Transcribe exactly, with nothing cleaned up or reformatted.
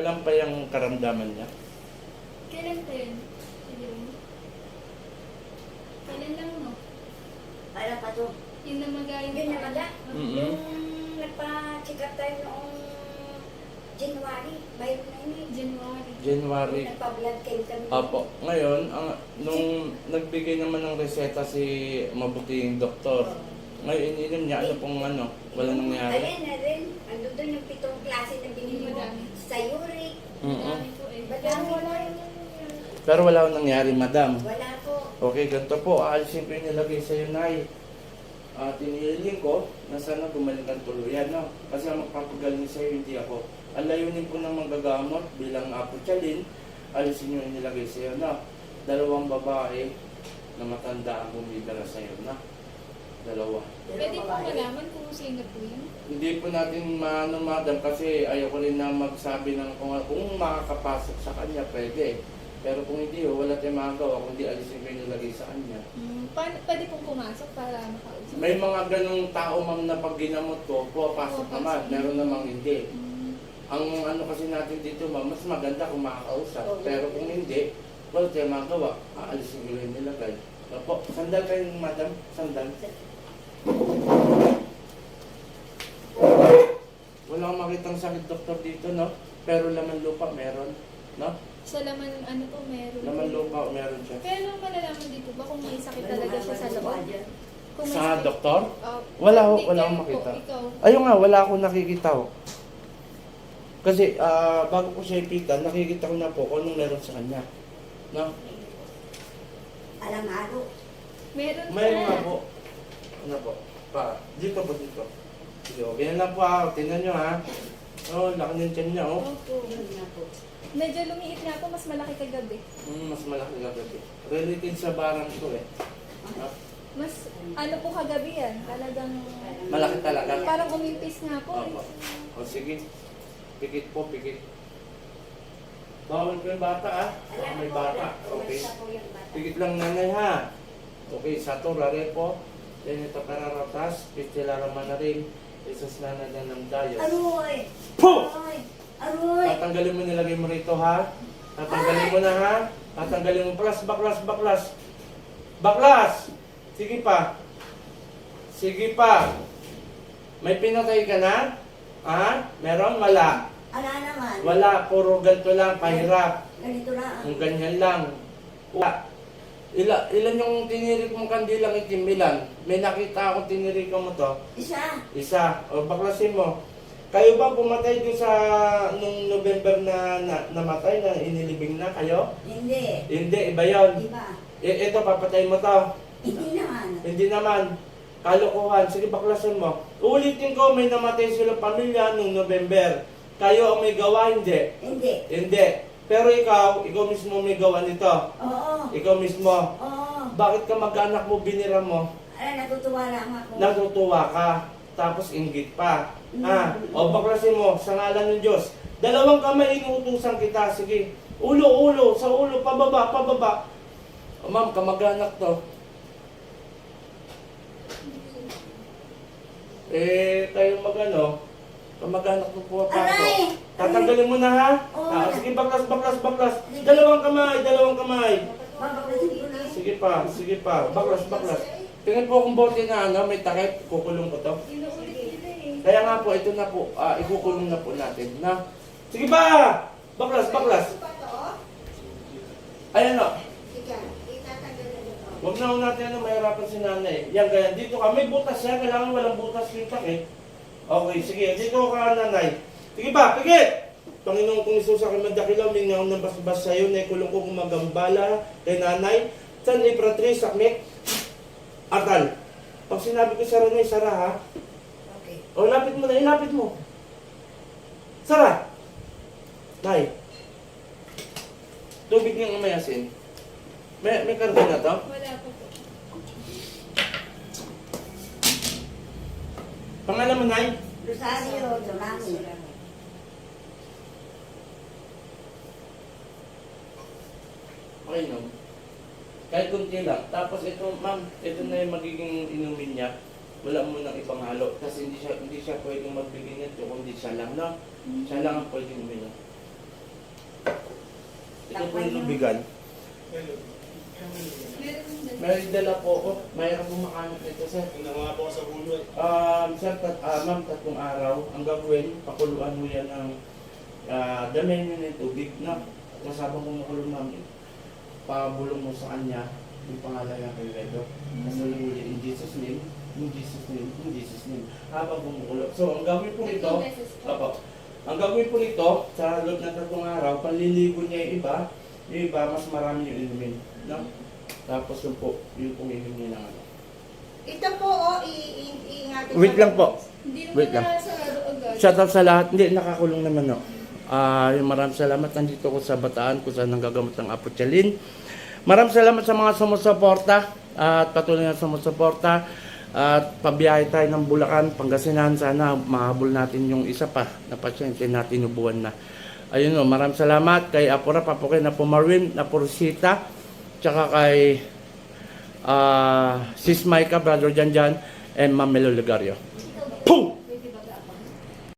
Kailan pa yung karamdaman niya? Kailan pa yun? Ayun. Kailan lang, no? Para pa to. Yung namagay Yun na mala. Mm-mm. Yung nagpa-check up tayo noong January. Bayo na yun eh. January. January. Nagpa-blood came kami. Apo. Ngayon, ang, nung nagbigay naman ng reseta si mabuting doktor, ngayon ininom niya, ano pong ano, wala nangyari. Ayan na rin. Ando doon yung pitong klase na binili mo. Madami. Sa uric. Mm-mm. Madami po eh. Madami wala yun. Pero wala akong nangyari, madam. Wala po. Okay, ganito po. Aalisin ko yung nilagay sa'yo, Nay. Uh, tiniling ko na sana gumaling ang tuluyan, no? Kasi ang magpapagaling sa'yo, hindi ako. Ang layunin po ng manggagamot bilang apo tiyalin, alisin nyo yung nilagay sa'yo, no? Dalawang babae na matanda ang bumibira sa'yo, no? Dalawa. Pwede po malaman kung sino po yun? Hindi po natin maano, madam, kasi ayoko rin na magsabi ng kung, kung makakapasok sa kanya, pwede. Pero kung hindi, oh, wala tayong magagawa kung di alisin ko yung nilagay sa kanya. Hmm, paano, pwede pong pumasok para makausap? May mga ganong tao, ma'am, na pag ginamot ko, pupasok Pupasok. naman. Meron namang hindi. Hmm. Ang ano kasi natin dito, ma'am, mas maganda kung makakausap. Oo. Pero kung hindi, wala tayong magagawa. Aalisin ko yung nilagay. Opo, sandal kayo, madam. Sandal. Wala akong makitang sakit, doktor, dito, no? Pero laman lupa, meron. No? Sa laman, ano po, meron. Laman lupa, meron siya. Pero malalaman dito ba kung may sakit talaga siya sa loob? Kung may Sa sakit- doktor? Oh, Wala ho, hindi, wala kayo akong po, makita. Ikaw. Ayun nga, wala akong nakikita ho. Kasi ah, bago ko siya ipitan, nakikita ko na po kung anong meron sa kanya. No? Alam araw. Meron May pa. nga po. Ano po? Pa, dito po dito. Sige, okay na lang po ha. Tingnan nyo ha. Oh, laki ng tiyan niya oh. Opo. Yun nga po. Medyo lumiit nga po, mas malaki kagabi. Mm, mas malaki na gabi. Related sa barang to eh. No? Mas, ano po kagabi yan? Talagang, Malaki talaga. parang umimpis nga po. Opo. O sige. Pikit po, pikit. Bawal ko yung bata ah. Baka may bata. Okay. Pikit lang nanay ha. Okay, sato, rare po. Then ito kararatas, pistilara manarin, isas na na ng dayos. Aroy! Puh! Aroy! Aroy! Tatanggalin mo, nilagay mo rito ha. Tatanggalin mo na ha. Tatanggalin mo, baklas, baklas, baklas. Baklas! Sige pa. Sige pa. May pinatay ka na? Ha? Meron? Wala. Ala naman. Wala, puro ganito lang, pahirap. Ganito na. Kung ganyan lang. Wala. Ila, ilan yung tinirik mong kandilang itim? Ilan? May nakita akong tinirik mo to. Isa. Isa. O baklasin mo. Kayo ba pumatay doon sa nung November na, na namatay na inilibing na kayo? Hindi. Hindi, iba yun. Iba. E, ito, papatay mo to. Hindi naman. Hindi naman. Kalokohan. Sige, baklasin mo. Ulitin ko, may namatay silang pamilya nung November. Kayo ang may gawa, hindi. Hindi. Hindi. Pero ikaw, ikaw mismo may gawa nito. Oo. Ikaw mismo. Oo. Bakit ka mag-anak mo, binira mo? Ala, natutuwa lang ako. Natutuwa ka. Tapos inggit pa. Mm. Ah, o baklasin mo sa ngalan ng Diyos. Dalawang kamay inuutusan kita. Sige. Ulo, ulo. Sa ulo. Pababa, pababa. O ma'am, kamag-anak to. Eh, tayo mag-ano, kamag-anak mo pumapasok. Aray! Tatanggalin mo na ha? Oo. Ah, sige, baklas, baklas, baklas. Dalawang kamay, dalawang kamay. Babaklasin ko na. Sige pa, sige pa. Baklas, baklas. Tingnan po kung bote na ano, may takip. Kukulong ko to. Inuulit nila eh. Kaya nga po, ito na po, ah, ikukulong na po natin, na. Sige pa! Baklas, baklas. Ayan o. Huwag na ho natin ano, mahirapan si nanay. Yan, ganyan. Dito ka, may butas yan. Kailangan walang butas yung takip. Okay, sige. Dito ka, nanay. Sige pa, pigit! Panginoon kong Isus, aking madakilaw, mingaw ng basbas sa'yo, na ikulong ko gumagambala kay nanay. San Ipratris, sakmik, atal. Pag sinabi ko sara na, sara ha. Okay. O, lapit mo na, ilapit mo. Sara. Nay. Tubig niyang umayasin. May, may karga na to? Wala pa po. Pangalan mo, Nay? Rosario, Durami. Okay, no? Kahit kunti lang. Tapos ito, ma'am, ito na yung magiging inumin niya. Wala mo nang ibang halo. Kasi hindi siya, hindi siya pwedeng magbigay nito, kundi siya lang, no? Siya lang ang pwedeng uminom. Ito po yung lubigan. May dala po ako. Mayroon pong makanik nito, sir. Nga po sa bulo eh. Um, sir, tat, ah, ma'am, tatlong araw. Ang gagawin, pakuluan mo yan ng uh, damihan nyo ng tubig na kasabang kumukulo namin. Pabulong mo sa kanya yung pangalan ng kay Redo. Kasunod mo in Jesus name, in Jesus name, in Jesus name. Habang kumukulo. So, ang gagawin po nito, Opo. Ang gagawin po nito, sa loob ng tatlong araw, panliligo niya yung iba, yung iba, mas marami yung inumin. No? Tapos yun po, yung pong inumin ng ano. Ito po, oh, i- i- iingatin. Wait lang po. Hindi naman Wait lang. na sarado agad. Shout out sa lahat. Hindi, nakakulong naman, no. Ah, yung maraming salamat. Nandito ko sa Bataan kung saan nanggagamot ng Apo Chalin. Maraming salamat sa mga sumusuporta at patuloy na sumusuporta. At pabiyahe tayo ng Bulacan, Pangasinan. Sana mahabol natin yung isa pa na pasyente natin ubuan na. Ayun, no, maraming salamat kay Apura, Papukin, Apo Marwin, Apo Rosita, tsaka kay ah, Sis Maika, Brother Janjan, and Ma'am Melo Legario. Boom!